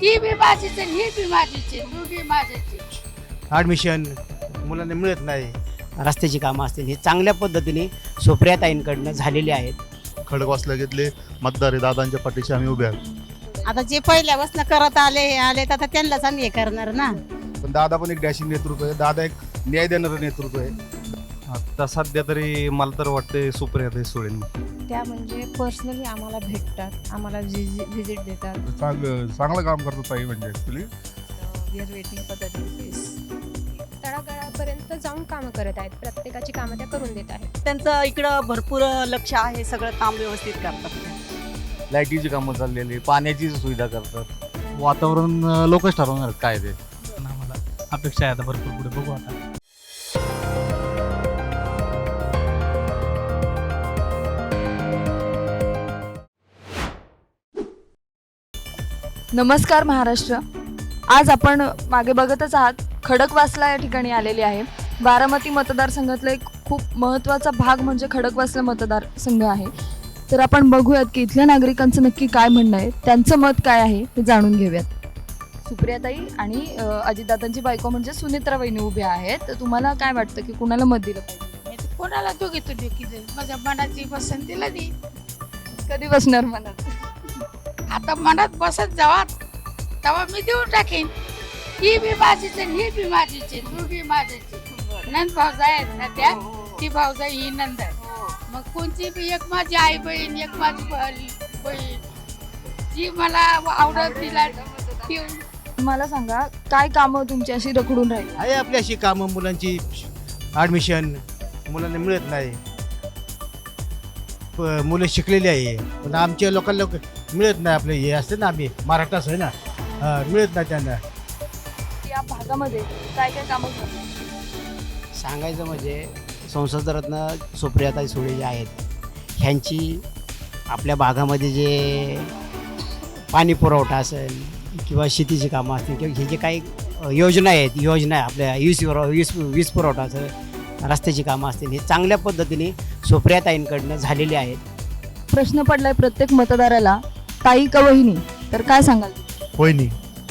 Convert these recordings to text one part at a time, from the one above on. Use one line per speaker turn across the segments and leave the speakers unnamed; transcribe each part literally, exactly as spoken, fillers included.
ती बी माझीच आहे, ही बी माझीच आहे, दोघी माझ्याची.
ॲडमिशन मुलांना मिळत नाही.
रस्त्याची कामं असतील ही चांगल्या पद्धतीने सुप्रियाताईंकडनं झालेली आहेत.
खडकवासला घेतले मतदार आहे दादांच्या पाठीशी आम्ही उभे आहोत.
आता जे पहिल्यापासून करत आले हे आले तर आता त्यांनाच आम्ही हे करणार ना.
पण दादा पण एक डॅशिंग नेतृत्व आहे, दादा एक न्याय देणारं नेतृत्व आहे.
आता सध्या तरी मला तर वाटते सुप्रियाताई सुळे.
त्या म्हणजे पर्सनली आम्हाला भेटतात, आम्हाला व्हिजिट देतात.
चांगलं चांगलं काम करतो ताई म्हणजे actually.
We are waiting for the this.
तळागाळापर्यंत जाऊन कामं करत आहेत, प्रत्येकाची कामं त्या करून देत आहेत.
त्यांचं इकडं भरपूर लक्ष आहे, सगळं काम व्यवस्थित करतात.
लाईटीची कामं चाललेली, पाण्याची सुविधा करतात. वातावरण लोकच ठरवणार काय ते.
आम्हाला अपेक्षा आहे आता भरपूर, पुढे बघू आता.
नमस्कार महाराष्ट्र. आज आपण मागे बघतच आहात, खडकवासला या ठिकाणी आलेली आहे. बारामती मतदारसंघातला एक खूप महत्त्वाचा भाग म्हणजे खडकवासला मतदारसंघ आहे. तर आपण बघूयात की इथल्या नागरिकांचं नक्की काय म्हणणं आहे, त्यांचं मत काय आहे हे जाणून घेऊयात. सुप्रियाताई आणि अ, अजितदादांची बायको म्हणजे सुनेत्रा वहिनी उभ्या आहेत. तर तुम्हाला काय वाटतं की कुणाला मत दिलं पाहिजे?
मी तर कोणाला दोघी तू दोघी माझ्या मनाची पसंतीला दे.
कधी बसणार मनात?
आता मनात बसत जावा तेव्हा मी देऊन टाकेन. ही बी माझीच आहे, ही बी माझीच आहे, दोघी माझ्याची. नंद भावजा आहेत ना त्या, ती भावजा ही नंद आहे. मग कोणती बी एक माझी आई बहीण, एक माझी बहीण बहीण जी मला आवडत तिला ती.
मला सांगा, काय कामं तुमची अशी रखडून राहील?
आहे आपली अशी कामं, मुलांची ॲडमिशन मुलांना मिळत नाही. प- मुलं शिकलेली आहे पण आमच्या लोकांना मिळत नाही. आपले हे असते ना, आम्ही महाराष्ट्रात आहे ना, हा, मिळत नाही त्यांना.
या भागामध्ये काय काय कामं झाली?
सांगायचं म्हणजे संसदरत्न सुप्रियाताई सुळे जे आहेत, ह्यांची आपल्या भागामध्ये जे पाणी पुरवठा असेल किंवा शेतीची कामं असतील किंवा हे जे काही अ, योजना आहेत, योजना आहे आपल्या वीज वीज वीज पुरवठा असेल, रस्त्याची कामं असतील, हे चांगल्या पद्धतीने सुप्रियाताईंकडनं झालेली आहेत.
प्रश्न पडलाय प्रत्येक मतदाराला, ताई का वहिनी? तर काय सांगाल?
वहिनी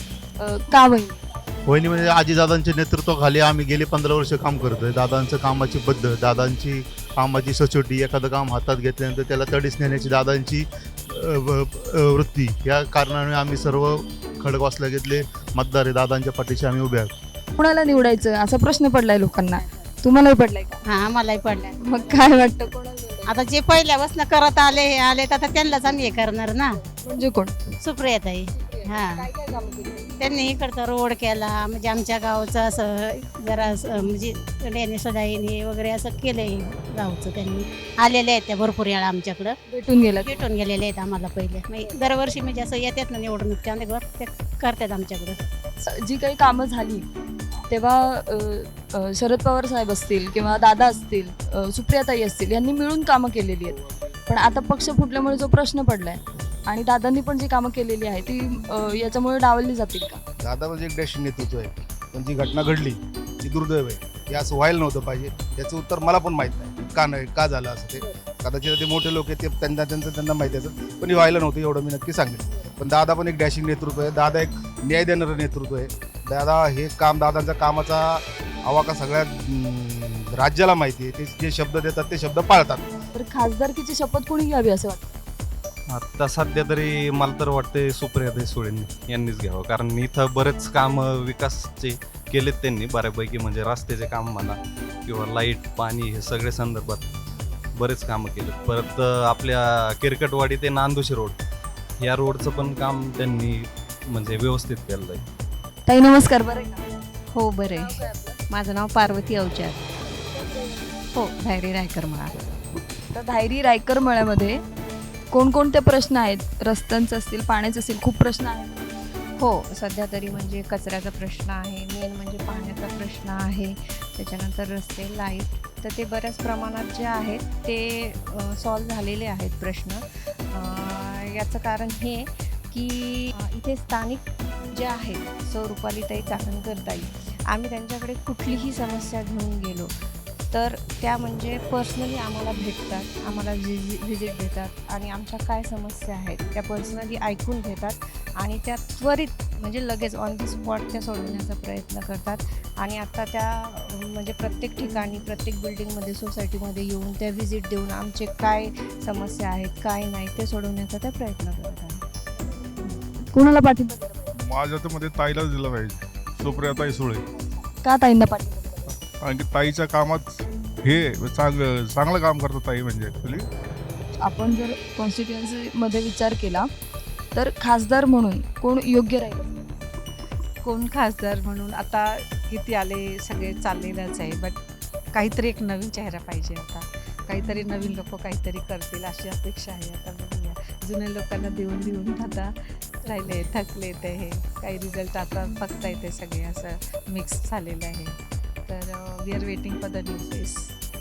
अ, का वहिनी?
वहिनी म्हणजे आजीदादांच्या नेतृत्वाखाली आम्ही गेले पंधरा वर्ष काम करतोय. दादांचं कामाची पद्धत, दादांची कामाची सचोटी, एखादं काम हातात घेतल्यानंतर त्याला तडीस नेण्याची दादांची अ, व- अ, वृत्ती, या कारणाने आम्ही सर्व खडकवासला घेतले मतदार आहे दादांच्या पाठीशी आम्ही उभे आहोत.
कुणाला निवडायचं असा प्रश्न पडलाय लोकांना. तुम्हालाही पडलाय का?
हा आम्हालाही पडल्या.
मग काय वाटतं कोणाला निवडायचं?
आता जे पहिल्यापासून करत आले हे आले तर आता त्यांनाच आम्ही हे करणार ना.
म्हणजे कोण?
सुप्रियाताई. हा,
काय काय कामं केली?
त्यांनी इकडचा रोड केला, म्हणजे आमच्या गावचं असं जरा असं म्हणजे लेणे सदाईन हे वगैरे असं केलंय गावचं. त्यांनी आलेले आहेत त्या भरपूर वेळा आमच्याकडं
भेटून गेला?
भेटून गेलेले आहेत आम्हाला पहिले. म्हणजे दरवर्षी म्हणजे असं येतात ना निवडणूक, त्यामुळे ते करतात आमच्याकडं.
जी काही कामं झाली तेव्हा अ, अ, शरद पवार साहेब असतील किंवा दादा असतील, अ, सुप्रियाताई असतील, यांनी मिळून कामं केलेली आहेत. पण आता पक्ष फुटल्यामुळे जो प्रश्न पडलाय आणि दादांनी पण जी कामं केलेली आहे ती अ, याच्यामुळे डावलली जातील का?
दादा म्हणजे एक डॅशिंग नेतृत्व आहे, पण जी घटना घडली ती दुर्दैव आहे. हे असं व्हायला नव्हतं पाहिजे. याचं उत्तर मला पण माहीत नाही का नाही का झालं असं. ते कदाचित ते मोठे लोक आहेत, ते त्यांना त्यांचं त्यांना माहिती असेल, पण हे व्हायला नव्हतं एवढं मी नक्की सांगेन. पण दादा पण एक डॅशिंग नेतृत्व आहे, दादा एक न्याय देणारं नेतृत्व आहे. दादा हे काम, दादांचा कामाचा आवाका सगळ्या अं, राज्याला माहिती आहे. ते जे शब्द देतात ते शब्द पाळतात.
तर खासदारकीची शपथ कोणी घ्यावी असं वाटतं?
आता सध्या तरी मला तर वाटते सुप्रियाताई सुळे यांनीच घ्यावं, कारण इथं बरेच काम विकासचे केलेत त्यांनी बऱ्यापैकी. म्हणजे रस्त्याचे काम म्हणा किंवा लाईट, पाणी, हे सगळे संदर्भात बरेच कामं केलेत. परत आपल्या किरकटवाडी ते नांदुशी रोड, या रोडचं पण काम त्यांनी म्हणजे व्यवस्थित केलं आहे.
ताई नमस्कार. बरं आहे का?
हो बरं
नाव
आहे.
काय आपलं?
माझं नाव पार्वती अवचार. हो, धायरी रायकर म्हणा.
तर धायरी रायकर मळ्यामध्ये कोणकोणते प्रश्न आहेत? रस्त्यांचे असतील, पाण्याचे असतील, खूप प्रश्न आहेत.
हो, सध्या तरी म्हणजे कचऱ्याचा प्रश्न आहे, मेन म्हणजे पाण्याचा प्रश्न आहे, त्याच्यानंतर रस्ते, लाईट. तर ते बऱ्याच प्रमाणात जे आहेत ते सॉल्व झालेले आहेत प्रश्न. अ, याचं कारण हे की अ, इथे स्थानिक जे आहेत सौ रुपालीताई चाकणकर ताई, आम्ही त्यांच्याकडे कुठलीही समस्या घेऊन गेलो तर त्या म्हणजे पर्सनली आम्हाला भेटतात, आम्हाला व्हिजि व्हिजिट देतात आणि आमच्या काय समस्या आहेत त्या पर्सनली ऐकून घेतात आणि त्या त्वरित म्हणजे लगेच ऑन दी स्पॉट त्या सोडवण्याचा प्रयत्न करतात. आणि आता त्या अ, म्हणजे प्रत्येक ठिकाणी प्रत्येक बिल्डिंगमध्ये सोसायटीमध्ये येऊन त्या व्हिजिट देऊन आमचे काय समस्या आहेत काय नाही ते सोडवण्याचा त्या प्रयत्न करत आहेत.
कोणाला पाठिंबा दिला पाहिजे?
माझ्या तर मध्ये ताईलाच दिलं पाहिजे, सुप्रियाताई सुळे.
का ताईंना पाठिंबा दिला पाहिजे?
कारण की ताईच्या कामात हे चांगलं चांगलं काम करतात ताई म्हणजे ॲक्च्युली.
आपण जर कॉन्स्टिट्युएन्सीमध्ये विचार केला तर खासदार म्हणून कोण योग्य राहील?
कोण खासदार म्हणून आता किती आले सगळे चाललेलंच आहे, बट काहीतरी एक नवीन चेहरा पाहिजे. आता काहीतरी नवीन लोक काहीतरी करतील अशी अपेक्षा आहे. आता बघूया, जुन्या लोकांना देऊन देऊन आता राहिले थकले ते हे काही रिझल्ट आता बघता येते सगळे असं मिक्स झालेलं आहे. तर we are waiting for the new face.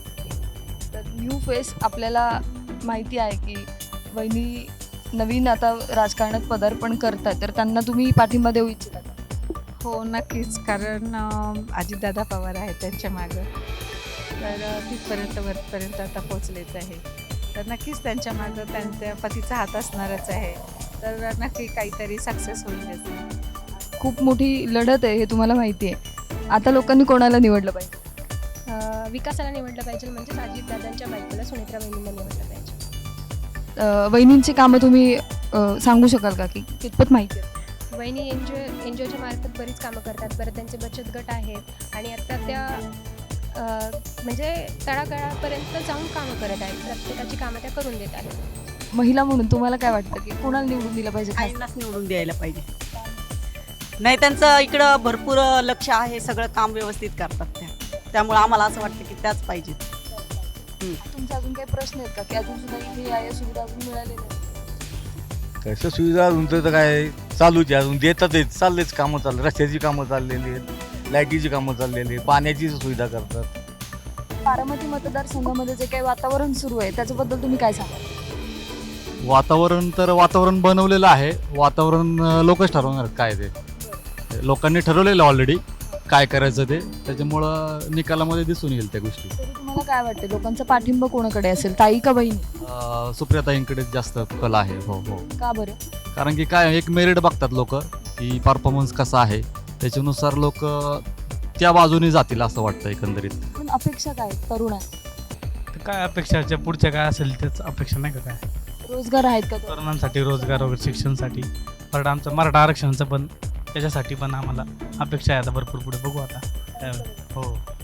तर न्यू फेस आपल्याला माहिती आहे की वहिनी नवीन आता राजकारणात पदार्पण करतात, तर त्यांना तुम्ही पाठिंबा देऊ इच्छिता?
हो नक्कीच, कारण अं, अजितदादा पवार आहेत त्यांच्या मागं. तर अं, तिथपर्यंत वरपर्यंत आता पोचलेच आहे. तर नक्कीच त्यांच्या मागं त्यांच्या पतीचा हात असणारच आहे. तर नक्की काहीतरी सक्सेस होईलच.
खूप मोठी लढत आहे हे तुम्हाला माहिती आहे. आता लोकांनी कोणाला निवडलं पाहिजे?
अं, विकासाला निवडलं पाहिजे म्हणजे अजितदादांच्या बायकोला सुनेत्रा वहिनींना निवडलं पाहिजे.
अ, वहिनींची कामं तुम्ही अ, सांगू शकाल का की कितपत माहिती आहे?
वहिनी N G O N G ओच्या मार्फत बरीच कामं करतात. परत त्यांचे बचत गट आहेत आणि आता त्या अं, म्हणजे तळागाळापर्यंत जाऊन कामं करत आहेत. प्रत्येकाची कामं त्या करून देत आहेत.
महिला म्हणून तुम्हाला काय वाटतं की कोणाला निवडून दिलं पाहिजे? खास
आईंनाच निवडून द्यायला पाहिजे. नाही त्यांचं इकडं भरपूर लक्ष आहे, सगळं काम व्यवस्थित करतात त्या, त्यामुळे आम्हाला असं वाटतं की त्याच पाहिजेत.
तुमचे अजून काही प्रश्न आहेत का की अजून सुद्धा इथे या या सुविधा अजून मिळालेल्या आहेत?
कसं सुविधा अजून तर काय चालूच आहे, अजून देतातच, चाललेच कामं चालले, रस्त्याची कामं चाललेली आहेत, लाईटीची कामं चाललेली आहेत, पाण्याची सुविधा करतात.
बारामती मतदारसंघामध्ये जे काही वातावरण सुरू आहे त्याच्याबद्दल तुम्ही काय सांगाल?
वातावरण तर वातावरण बनवलेलं आहे, वातावरण अं, लोकच ठरवणार आहेत काय ते. लोकांनी ठरवलेलं ऑलरेडी काय करायचं ते, त्याच्यामुळं निकालामध्ये दिसून येईल त्या गोष्टी.
तरी तुम्हाला काय वाटतं लोकांचा पाठिंबा कोणाकडे असेल, ताई का बहिणी?
अं, सुप्रियाताईंकडे जास्त कल आहे. हो हो
का बरं?
कारण की काय एक मेरिट बघतात लोक की परफॉर्मन्स कसा आहे, त्याच्यानुसार लोक त्या बाजूने जातील असं वाटतं एकंदरीत.
पण अपेक्षा काय आहेत तरुणांच्या?
तर काय अपेक्षाच्या पुढच्या काय असेल त्याच अपेक्षा नाही का? काय
रोजगार आहेत का?
तरुणांसाठी रोजगार वगैरे शिक्षणासाठी, परत आमचं मराठा आरक्षणाचं पण त्याच्यासाठी पण आम्हाला अपेक्षा आहे आता भरपूर. पुढे बघू आता. त्यावेळी हो